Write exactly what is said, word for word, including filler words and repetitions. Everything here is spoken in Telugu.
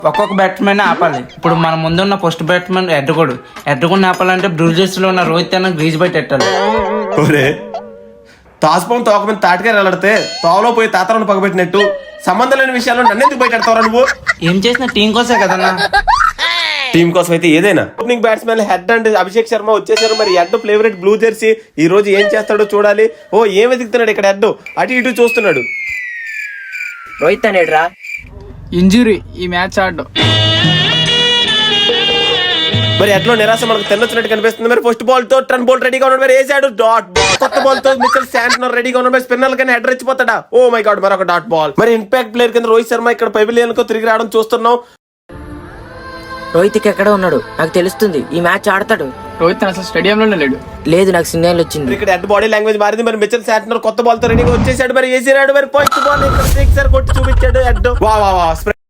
ఒక్కొక్క బ్యాట్స్మెన్ ఆపాలి. ఇప్పుడు మన ముందున్న ఫస్ట్ బ్యాట్స్మెన్ ఎడ్డగొడు ఎడ్డగొండి ఆపాలంటే బ్రూజెస్ లో ఉన్న రోహిత్ అన్న గ్రీజ్ బయట పెట్టాలి. ఒరే తాసుపం తోక మీద తాటికాయ వెళ్ళడితే తోవలో పోయి తాతలను పగబెట్టినట్టు సంబంధం లేని విషయాల్లో నన్నెందుకు బయటెడతావురా నువ్వు? ఏం చేసిన టీం కోసే కదన్నా. టీం కోసం అయితే ఏదైనా. Opening batsmen Head and Abhishek Sharma వచ్చేసారు. మరి హెడ్ ఫేవరెట్ బ్లూ జెర్సీ ఈ రోజు ఏం చేస్తాడో చూడాలి. ఓ ఏం వెతుకుతున్నాడు ఇక్కడ హెడ్, అటు ఇటు చూస్తున్నాడు. రోహిత్ అనేడ్రా ఇంజురీ ఈ మ్యాచ్ ఆడడం. మరి ఎట్లో నిరాశ మనకు తెల్లొచ్చినట్టు కనిపిస్తుంది. మరి ఫస్ట్ బాల్ తో టర్న్ బాల్ రెడీగా ఉన్నాడు. మరి వేసాడు డాట్ బాల్. కొత్త బాల్ తో మిచెల్ శాంట్నర్ రెడీగా ఉన్నాడు. మరి స్పిన్నర్ కానీ హెడ్ రెచ్చిపోతాడా? ఓ మై గాడ్ మరొక డాట్ బాల్. మరి ఇంపాక్ట్ ప్లేయర్ కింద రోహిత్ శర్మ ఇక్కడ పెవిలియన్ కు తిరిగి రావడం చూస్తున్నాం. రోహిత్ ఎక్కడ ఉన్నాడు నాకు తెలుస్తుంది. ఈ మ్యాచ్ ఆడతాడు. రోహిత్ అసలు స్టేడియంలోనే లేడు. లేదు నాకు సిగ్నల్ వచ్చింది. ఇక్కడ హెడ్ బాడీ లాంగ్వేజ్ మారింది. మరి మిచెల్ శాంట్నర్ కొత్త బాల్ తో రెడీగా వచ్చేసాడు. మరి వేసాడు. మరి ఫస్ట్ బాల్ ఇక్కడ సిక్సర్ కొట్టి చూపించాడు హెడ్. వా వా వా